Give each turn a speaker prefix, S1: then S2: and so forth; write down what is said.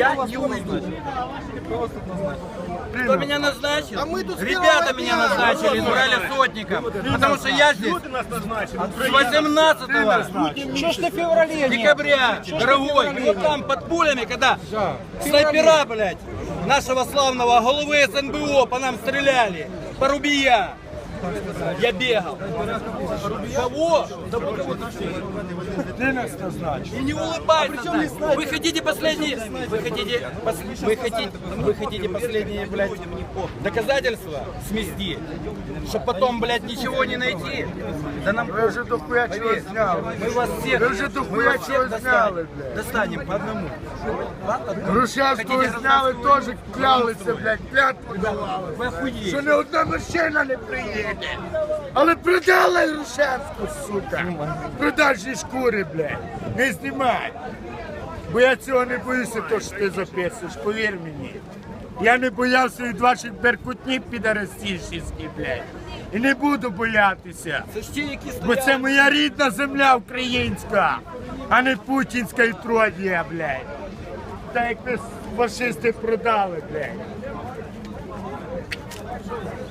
S1: Я не узнаю. Кто меня назначил? Ребята меня назначили, Нураля Сотников. Потому что я здесь с 18 декабря, дорогой. И вот там под пулями, когда снайпера, блядь, нашего славного головы СНБО по нам стреляли, Порубия. Я бегал. Кого? Да
S2: Ты нас назначил.
S1: и не улыбайтесь. Вы хотите последние, вы хотите последние, блядь, доказательства смести, чтобы потом, блядь, ничего не найти. Да нам
S2: Вы уже дохуя чего сняли.
S1: мы вас всех,
S2: Вы уже дохуя чего сняли, блядь.
S1: достанем по одному.
S2: Грушевського зняли, теж клялися, блядь, клятву давали.
S1: Вы охуели.
S2: Що не одна машина не приїде. Але продали Грушевську, сука. Продажні шкури, блядь. Не знімай. Бо я цього не боюся, то, що ти записуєш, повір мені. Я не боявся від ваших беркутнів підарастійських, блядь. І не буду боятися.
S1: Це ж ті, які
S2: Бо це
S1: стоять.
S2: моя рідна земля українська, а не путінська і тродія, блядь. Так як ви фашисти продали, блядь.